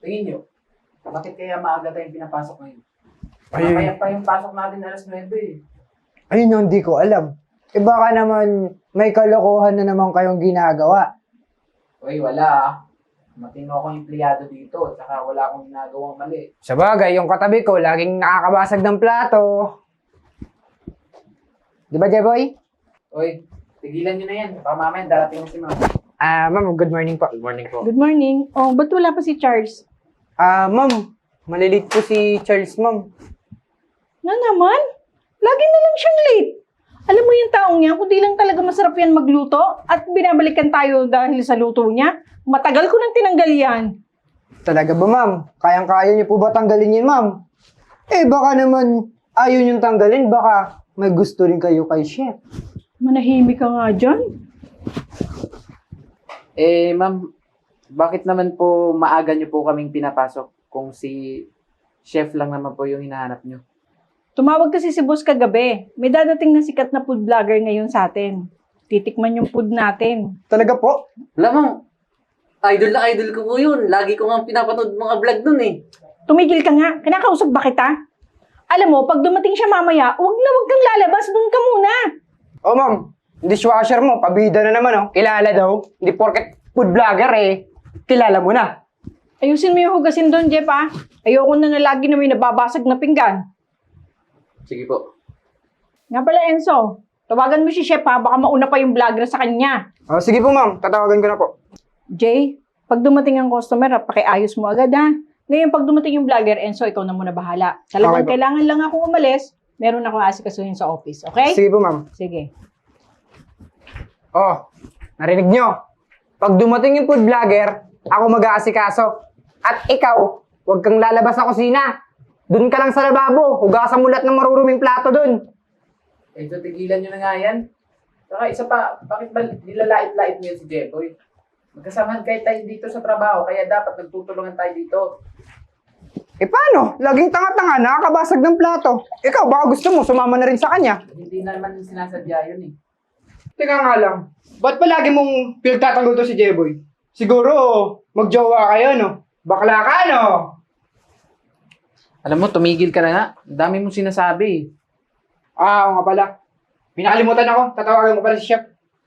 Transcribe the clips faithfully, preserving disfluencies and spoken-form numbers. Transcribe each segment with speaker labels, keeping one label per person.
Speaker 1: tingin nyo, bakit kaya maaga tayong pinapasok ngayon?
Speaker 2: Ay,
Speaker 1: Kaya pa yung pasok natin alas nuwebe eh.
Speaker 2: ayun yung hindi ko alam. Eh baka naman may kalokohan na naman kayong ginagawa.
Speaker 1: Uy, wala ah. Matino akong empleyado dito, tsaka wala akong ginagawang mali.
Speaker 2: Sa bagay, yung katabi ko, laging nakakabasag ng plato. Di ba, Jeboy?
Speaker 1: Uy, tigilan nyo na yan. Baka mamaya darating na si ma'am.
Speaker 2: Ah, ma'am, good morning po.
Speaker 1: Good morning po.
Speaker 3: Good morning. Oh, ba't wala pa si Charles?
Speaker 2: Ah, ma'am, malilit po si Charles, ma'am.
Speaker 3: Na naman? Lagi na lang siyang late. Alam mo yung taong yan, kung di lang talaga masarap yan magluto at binabalikan tayo dahil sa luto niya, matagal ko nang tinanggal yan.
Speaker 2: Talaga ba, ma'am? Kayang-kaya niyo po ba tanggalin yun, ma'am? Eh, baka naman ayaw niyong tanggalin, baka may gusto rin kayo kay chef.
Speaker 3: Manahimik ka nga dyan.
Speaker 1: Eh, ma'am, bakit naman po maaga nyo po kaming pinapasok kung si chef lang naman po yung hinahanap nyo?
Speaker 3: Tumawag kasi si boss kagabi. May dadating na sikat na food vlogger ngayon sa atin. Titikman yung food natin.
Speaker 2: Talaga po?
Speaker 4: Alam mo, idol na idol ko po yun. Lagi ko nga pinapanood mga vlog dun eh.
Speaker 3: Tumigil ka nga. Kinakausap ba kita? Alam mo, pag dumating siya mamaya, wag na wag kang lalabas. Doon ka muna.
Speaker 2: Oh, ma'am, dishwasher mo, pabida na naman, oh. Kilala daw. Hindi porket food vlogger, eh. Kilala mo na.
Speaker 3: Ayusin mo yung hugasin doon, Jeff, ah. Ayoko na na lagi na may nababasag na pinggan.
Speaker 4: Sige po.
Speaker 3: Nga pala, Enzo. Tawagan mo si Chef, ha. Baka mauna pa yung vlogger sa kanya.
Speaker 2: Oh, sige po, ma'am. Tatawagan ko na po.
Speaker 3: Jay, pag dumating ang customer, ha, pakiayos mo agad, ha. Ngayon, pag dumating yung vlogger, Enzo, ikaw na muna bahala. Talagang
Speaker 2: Okay po.
Speaker 3: kailangan lang akong umalis. Meron akong asikasuhin sa office, okay?
Speaker 2: Sige po, ma'am.
Speaker 3: Sige.
Speaker 2: Oh, narinig nyo? Pag dumating yung food vlogger, ako mag-aasikaso. At ikaw, huwag kang lalabas sa kusina. Doon ka lang sa lababo. Hugasan mo lahat ng maruruming plato doon.
Speaker 1: Eh, so tigilan nyo na nga yan. Saka isa pa, bakit ba nilalait-lait mo yan si Jeboy? Magkasamahan kayo tayo dito sa trabaho, kaya dapat nagtutulungan tayo dito.
Speaker 2: Eh paano? Laging tanga-tanga, nakakabasag ng plato. Ikaw, baka gusto mo, sumama na rin sa kanya.
Speaker 1: Hindi naman sinasadya yun eh.
Speaker 2: Teka nga lang, ba't palagi mong pinagtatanggol to si Jeboy? Siguro, magjowa kayo, no? Bakla ka, no?
Speaker 1: Alam mo, tumigil ka na nga. Ang dami mong sinasabi.
Speaker 2: Ah, oo nga pala. Pinakalimutan ako, tatawagan ko pala si Chef.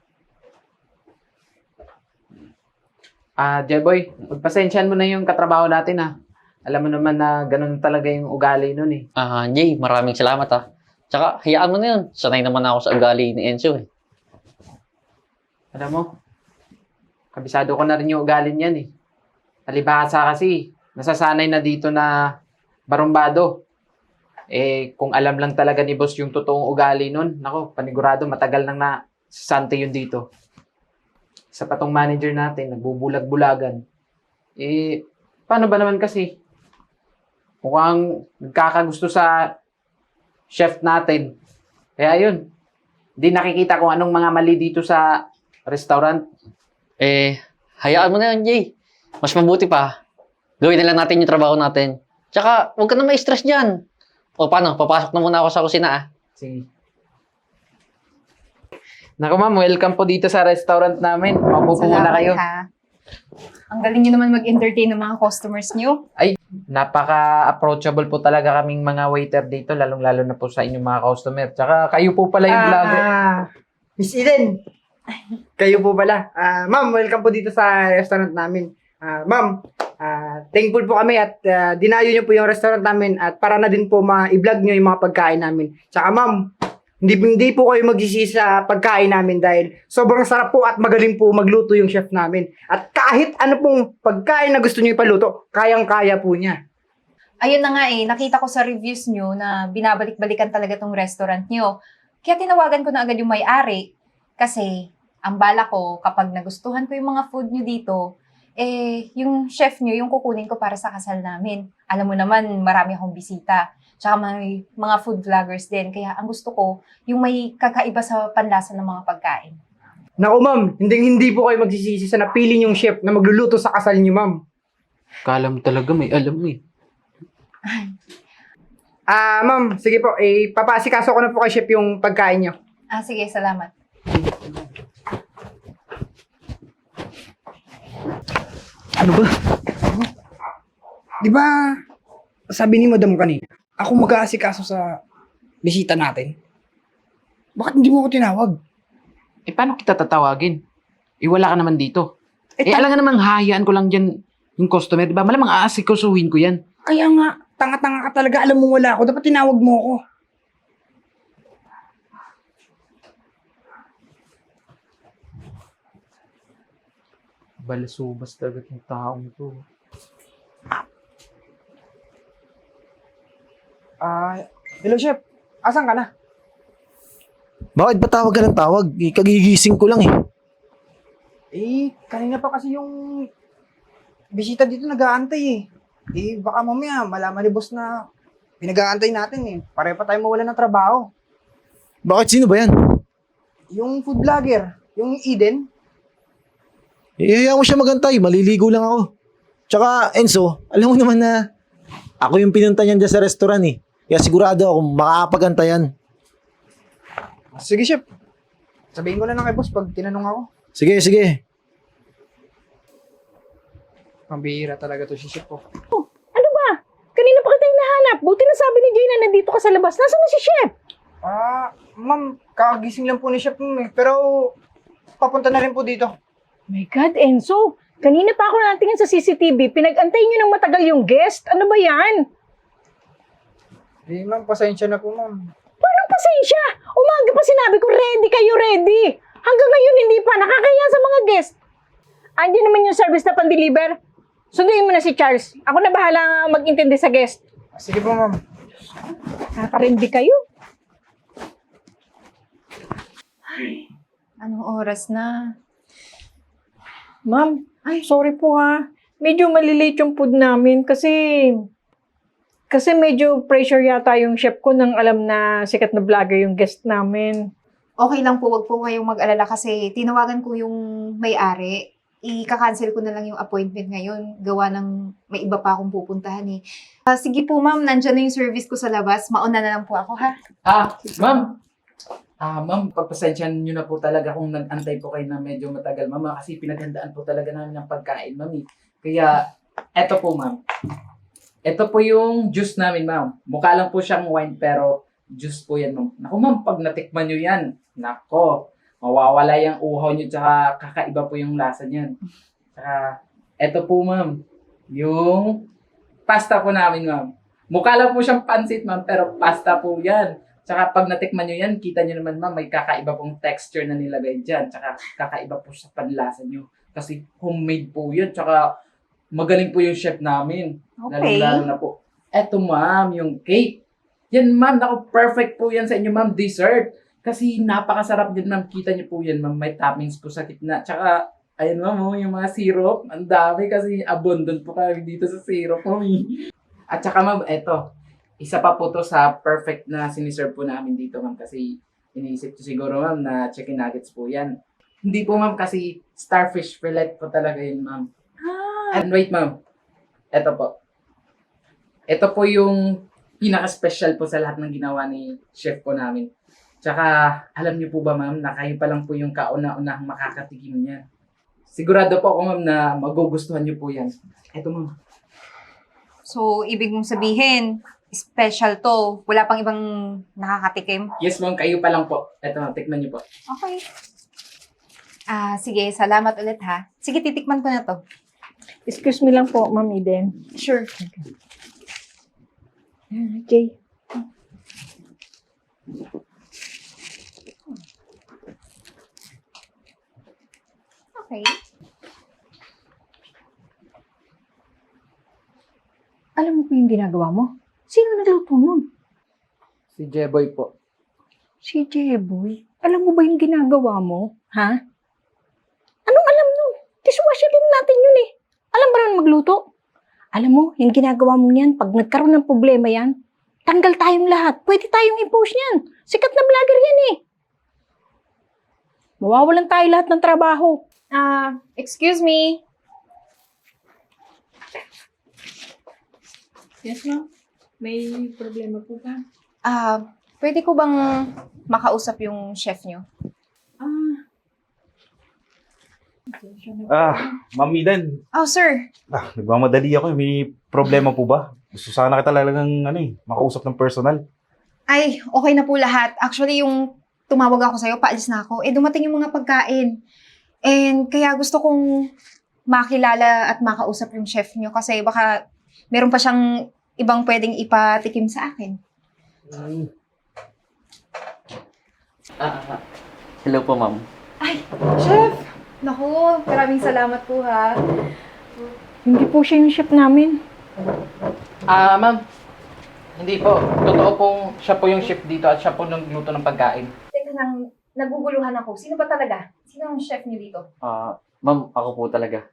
Speaker 1: Ah, Jeboy, pagpasensyahan mo na yung katrabaho natin ha. Alam mo naman na ganun talaga yung ugali nun eh.
Speaker 4: Ah, Jay, maraming salamat ah. Tsaka, hayaan mo na yun. Sanay naman ako sa ugali ni Enzo eh.
Speaker 1: Alam mo, kabisado ko na rin yung ugali niyan eh. Alibasa kasi, nasasanay na dito na barumbado. Eh, kung alam lang talaga ni boss yung totoong ugali nun, nako, panigurado, matagal nang na sante yun dito. Sa patong manager natin, nagbubulag-bulagan. Eh, paano ba naman kasi? Mukhang nagkakagusto sa chef natin. Kaya yun, hindi nakikita kung anong mga mali dito sa restaurant.
Speaker 4: Eh, hayaan mo na yun, Jay. Mas mabuti pa. Gawin na lang natin yung trabaho natin. Tsaka, huwag ka na ma-stress dyan. O paano, papasok na muna ako sa kusina ah.
Speaker 1: Sige. Naku ma'am, welcome po dito sa restaurant namin. Mapupo muna
Speaker 5: Salamat,
Speaker 1: kayo.
Speaker 5: ha. Ang galing nyo naman mag-entertain ng mga customers nyo.
Speaker 1: Ay, napaka-approachable po talaga kaming mga waiter dito, lalong-lalo na po sa inyong mga customer. Tsaka kayo po pala yung vlogger.
Speaker 2: Ah, Miss Eden. Kayo po pala. Ah, ma'am, welcome po dito sa restaurant namin. Ah, ma'am, ah, thankful po kami at ah, dinayo niyo po yung restaurant namin at para na din po ma-i-vlog niyo yung mga pagkain namin. Tsaka ma'am, hindi, hindi po kayo magsisisi sa pagkain namin dahil sobrang sarap po at magaling po magluto yung chef namin. At kahit ano pong pagkain na gusto niyo ipaluto, kayang-kaya po niya.
Speaker 5: Ayun na nga eh, nakita ko sa reviews nyo na binabalik-balikan talaga tong restaurant nyo. Kaya tinawagan ko na agad yung may-ari kasi ang bala ko kapag nagustuhan ko yung mga food nyo dito, eh, yung chef nyo, yung kukunin ko para sa kasal namin. Alam mo naman, marami akong bisita. Tsaka may mga food vloggers din. Kaya ang gusto ko, yung may kakaiba sa panlasa ng mga pagkain.
Speaker 2: Naku ma'am, hindi hindi po kayo magsisisi sa napili yung chef na magluluto sa kasal niyo ma'am.
Speaker 1: Kala mo talaga may alam mo eh.
Speaker 2: Ah, ma'am, sige po, eh, papasikaso ko na po kay chef yung pagkain niyo.
Speaker 5: Ah, sige, salamat.
Speaker 1: Ano ba?
Speaker 2: Di ba, sabi ni Madam kanina, ako mag-aasikaso sa bisita natin. Bakit hindi mo ako tinawag?
Speaker 1: Eh, paano kita tatawagin? Eh, wala ka naman dito.
Speaker 2: Eh,
Speaker 1: Eh,
Speaker 2: ta-
Speaker 1: alam nga namang hayaan ko lang dyan yung customer, di ba? Malamang aasikasuhin ko yan.
Speaker 2: Kaya nga, tanga-tanga ka talaga. Alam mo wala ako. Dapat tinawag mo ako.
Speaker 1: Balasubas talaga yung taong to.
Speaker 2: Ah, hello, Chef. Asan ka na?
Speaker 6: Bakit ba tawag ka ng tawag? Eh, kagigising ko lang eh.
Speaker 2: Eh, kanina pa kasi yung bisita dito nag-aantay eh. Eh, baka mamaya malaman ni boss na pinag-aantay natin eh. Pare pa tayo mawala ng trabaho.
Speaker 6: Bakit sino ba yan?
Speaker 2: Yung food vlogger, yung Eden.
Speaker 6: Eh, hayaan mo siya magantay. Maliligo lang ako. Tsaka, Enzo, alam mo naman na ako yung pinunta niyan dyan sa restaurant eh. Kaya sigurado ako makakapagantayan.
Speaker 2: Sige, Chef. Sabihin ko na lang kay boss pag tinanong ako.
Speaker 6: Sige, sige.
Speaker 2: Pambihira talaga to si Chef oh.
Speaker 3: Ano ba? Kanina pa kita hinahanap. Buti na sabi ni Jay na nandito ka sa labas. Nasaan na si Chef?
Speaker 2: Ah, ma'am, kakagising lang po ni Chef ma'am eh. Pero, papunta na rin po dito.
Speaker 3: My God, Enzo. Kanina pa ako natingin sa C C T V. Pinag-antay niyo ng matagal yung guest. Ano ba yan?
Speaker 2: Eh, ma'am, pasensya na po, ma'am.
Speaker 3: Paano pasensya? Umaga pa sinabi ko, ready kayo, ready. Hanggang ngayon hindi pa. Nakakaya sa mga guest. Andiyan naman yung service na pan-deliver. Sunduin mo na si Charles. Ako na bahala mag-intindi sa guest.
Speaker 2: Sige po, ma'am.
Speaker 3: Kakarendi kayo.
Speaker 5: Anong oras na?
Speaker 3: Ma'am, ay, sorry po ha. Medyo malilate yung food namin kasi kasi medyo pressure yata yung chef ko nang alam na sikat na vlogger yung guest namin.
Speaker 5: Okay lang po, wag po kayong mag-alala kasi tinawagan ko yung may-ari. I-cancel ko na lang yung appointment ngayon. Gawa ng may iba pa akong pupuntahan eh. Ah, sige po ma'am, nandyan na yung service ko sa labas. Mauna na lang po ako ha.
Speaker 1: Ah, ma'am! Ah, ma'am, pagpasensyahan nyo na po talaga kung nag-antay po kayo na medyo matagal, ma'am. ah, Kasi pinaghandaan po talaga namin ng pagkain, ma'am. eh. Kaya, eto po, ma'am. Ito po yung juice namin, ma'am. Mukha lang po siyang wine, pero juice po yan, ma'am. Naku, ma'am, pag natikman nyo yan, nako, mawawala yung uhaw nyo, tsaka kakaiba po yung lasa niyan. Tsaka, eto po, ma'am, yung pasta po namin, ma'am. Mukha lang po siyang pansit, ma'am, pero pasta po yan. Tsaka pag natikman nyo yan, kita nyo naman, ma'am, may kakaiba pong texture na nilagay dyan. Tsaka kakaiba po sa panlasa nyo. Kasi homemade po yan. Tsaka magaling po yung chef namin.
Speaker 5: Okay.
Speaker 1: Lalo na po. Eto, ma'am, yung cake. Yan, ma'am, naku, perfect po yan sa inyo, ma'am, dessert. Kasi napakasarap din, ma'am. Kita nyo po yan, ma'am. May toppings po sa gitna. Tsaka, ayun, ma'am, oh, yung mga syrup. Ang dami kasi abundant po kami dito sa syrup, ma'am. eh. At tsaka, ma'am, eto. Isa pa po to sa perfect na siniserve po namin dito, ma'am. Kasi iniisip ko siguro, ma'am, na chicken nuggets po yan. Hindi po, ma'am, kasi starfish fillet po talaga yun, ma'am.
Speaker 3: Ah,
Speaker 1: And wait, ma'am. Ito po. Ito po yung pinaka-special po sa lahat ng ginawa ni chef po namin. Tsaka, alam niyo po ba, ma'am, na kayo pa lang po yung kauna-unahang makakatikim niyan. Sigurado po ako, ma'am, na magugustuhan niyo po yan. Ito, ma'am.
Speaker 5: So, ibig mong sabihin, special to. Wala pang ibang nakakatikim.
Speaker 1: Yes, ma'am, kayo pa lang po. Ito, ma'am, tikman niyo po.
Speaker 5: Okay. Ah, sige, salamat ulit ha. Sige, titikman ko na to.
Speaker 3: excuse me lang po, Ma'am Eden.
Speaker 5: Sure.
Speaker 3: Ah, Jay.
Speaker 5: Okay.
Speaker 3: Alam mo po yung ginagawa mo? Sino nagluto nun?
Speaker 1: Si Jeboy po.
Speaker 3: Si Jeboy. Alam mo ba yung ginagawa mo? Ha? Anong alam nun? Dishwasher din natin yun eh. Alam ba naman magluto? Alam mo, yung ginagawa mo yan, pag nagkaroon ng problema yan, tanggal tayong lahat. Pwede tayong i-post yan. Sikat na vlogger yan eh. Mawawalan tayo lahat ng trabaho.
Speaker 5: Ah, excuse me.
Speaker 3: Yes, ma'am. May problema po ba?
Speaker 5: Ah, pwede ko bang makausap yung chef nyo?
Speaker 3: Ah. Okay.
Speaker 7: Ah, Ma'am Eden.
Speaker 5: Oh, sir.
Speaker 7: Ah, nagmamadali ako. May problema po ba? Gusto sana kita talagang ano eh, makausap ng personal.
Speaker 5: Ay, okay na po lahat. Actually, yung tumawag ako sa'yo, paalis na ako. Eh, dumating yung mga pagkain. And kaya gusto kong makilala at makausap yung chef niyo kasi baka meron pa siyang ibang pwedeng ipatikim sa akin.
Speaker 1: Ah,
Speaker 4: Hello po, ma'am.
Speaker 5: Ay, chef! Naku, maraming salamat po ha.
Speaker 3: Hindi po siya yung chef namin.
Speaker 1: ah, ma'am. Hindi po. Totoo pong siya po yung chef dito at siya po nagluto ng pagkain.
Speaker 5: Teka lang, naguguluhan ako. Sino ba talaga? Sino ang chef niyo dito?
Speaker 4: Ah, ma'am, ako po talaga.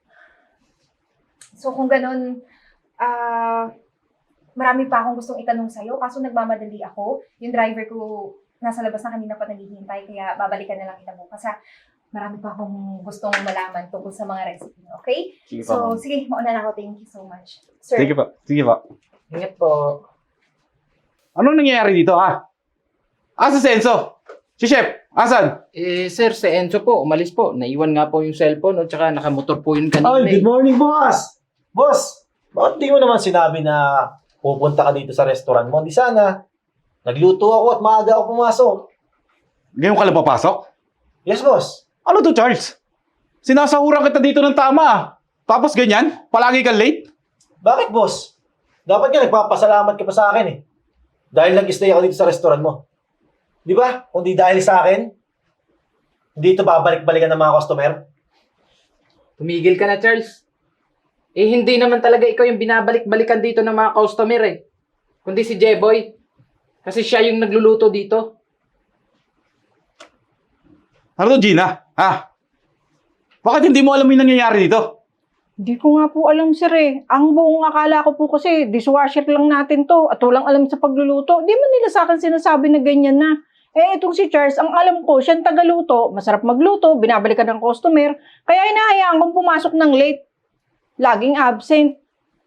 Speaker 5: So kung ganun, ah, marami pa akong gustong itanong sa'yo, kaso nagmamadali ako. Yung driver ko nasa labas na kanina pa naghihintay, kaya babalikan na lang kita bukas ha. Marami pa akong gustong malaman tungkol sa mga recipe niyo, okay?
Speaker 4: Sige pa,
Speaker 5: So,
Speaker 4: ma'am.
Speaker 5: sige, mauna na ako. Thank you so much. Sir,
Speaker 7: Sige pa, sige pa.
Speaker 1: Ingat po.
Speaker 7: Anong nangyayari dito ha? Asa si Enzo? Si Chef, asan?
Speaker 1: Eh, sir, si Enzo po, umalis po. Naiwan nga po yung cellphone at saka nakamotor po yun kanina.
Speaker 6: Ay,
Speaker 1: eh.
Speaker 6: good morning, boss! Boss, bakit di mo naman sinabi na pupunta ka dito sa restaurant mo? Di sana, nagluto ako at maaga ako pumasok.
Speaker 7: Ngayon ka lang papasok?
Speaker 6: Yes, boss.
Speaker 7: Ano to, Charles? Sinasahuran kita dito ng tama ah. Tapos ganyan? Palagi kang late?
Speaker 6: Bakit, boss? Dapat nga nagpapasalamat ka pa sa akin eh. Dahil nag-stay ako dito sa restaurant mo. Di ba? Kung di dahil sa akin, hindi ito babalik-balikan ng mga customer.
Speaker 1: Tumigil ka na, Charles. Eh, hindi naman talaga ikaw yung binabalik-balikan dito ng mga customer eh. Kundi si Jeboy. Kasi siya yung nagluluto dito.
Speaker 7: Ano to, Gina? Ha? Bakit hindi mo alam yung nangyayari dito?
Speaker 3: Hindi ko nga po alam, sir eh. Ang buong akala ko po kasi, dishwasher lang natin to at walang alam sa pagluluto. Di man nila sa akin sinasabi na ganyan na. Eh, itong si Charles, ang alam ko, siyang tagaluto, masarap magluto, binabalikan ng customer, kaya hinahayaan kong pumasok ng late. Laging absent.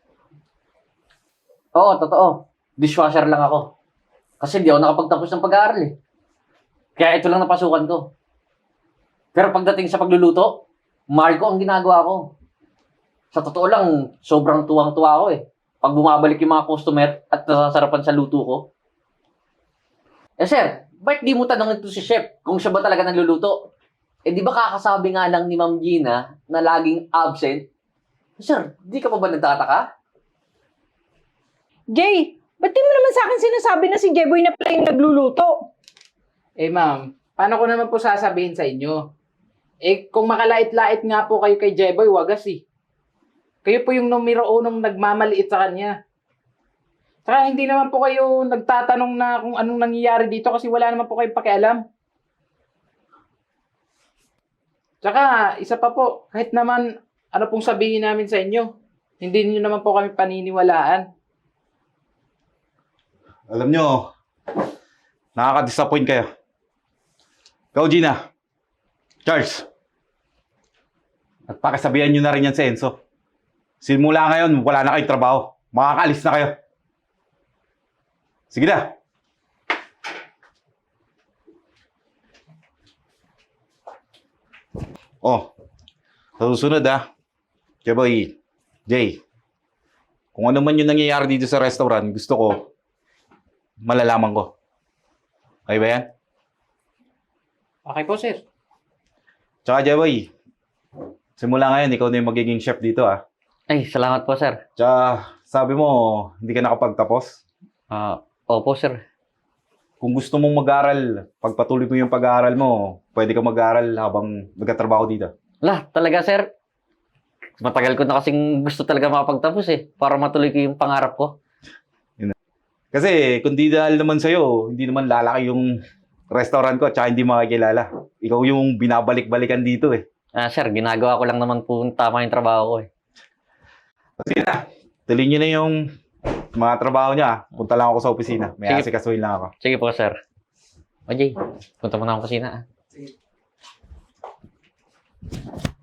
Speaker 4: Oo, totoo. Dishwasher lang ako. Kasi di ako nakapagtapos ng pag-aaral eh. Kaya ito lang napasukan ko. Pero pagdating sa pagluluto, mahal ko ang ginagawa ko. Sa totoo lang, sobrang tuwang-tuwa ako eh. Pag bumabalik yung mga customer at nasasarapan sa luto ko. Eh sir, bakit di mo tanongin to si chef kung siya ba talaga nagluluto? Eh di ba kakasabi nga lang ni Ma'am Gina na laging absent? Sir, di ka pa ba nagtataka?
Speaker 3: Jay, ba't di mo naman sa akin sinasabi na si Jeboy na pala yung nagluluto?
Speaker 1: Eh, ma'am, paano ko naman po sasabihin sa inyo? Eh, kung makalait-lait nga po kayo kay Jeboy, wagas eh. Kayo po yung numero unong nagmamaliit sa kanya. Saka hindi naman po kayo nagtatanong na kung anong nangyayari dito kasi wala naman po kayong pakialam. Saka, isa pa po, kahit naman ano pong sabihin namin sa inyo, hindi niyo naman po kami paniniwalaan.
Speaker 7: Alam nyo, nakaka-disappoint kayo. Ikaw, Gina. Charles. At pakisabihan nyo na rin yan si Enzo. Simula ngayon, wala na kayong trabaho. Makakaalis na kayo. Sige na. Oh, sa susunod ah. Jeboy, Jay, kung ano man yung nangyayari dito sa restaurant, gusto ko, malalaman ko. Okay ba yan?
Speaker 1: Okay po, sir.
Speaker 7: Tsaka Jeboy, simula ngayon, ikaw na yung magiging chef dito ah.
Speaker 4: Ay, salamat po sir.
Speaker 7: Tsaka sabi mo, hindi ka nakapagtapos.
Speaker 4: Ah, opo sir.
Speaker 7: Kung gusto mong mag-aral, pagpatuloy mo yung pag-aaral mo, pwede ka mag-aral habang nagtatrabaho dito.
Speaker 4: Lah, talaga sir. Matagal ko na kasing gusto talaga makapagtapos eh. Para matuloy ko yung pangarap ko.
Speaker 7: Kasi kung di dahil naman sa'yo, hindi naman lalaki yung restaurant ko at hindi makikilala. Ikaw yung binabalik-balikan dito eh.
Speaker 4: Ah, sir, ginagawa ko lang naman po tama yung trabaho ko eh.
Speaker 7: Sige na, tuloy nyo na yung mga trabaho niya. Punta lang ako sa opisina. May
Speaker 4: Sige.
Speaker 7: asikasuhin lang ako.
Speaker 4: Sige po, sir. O, Jay, punta mo na ako kusina ah.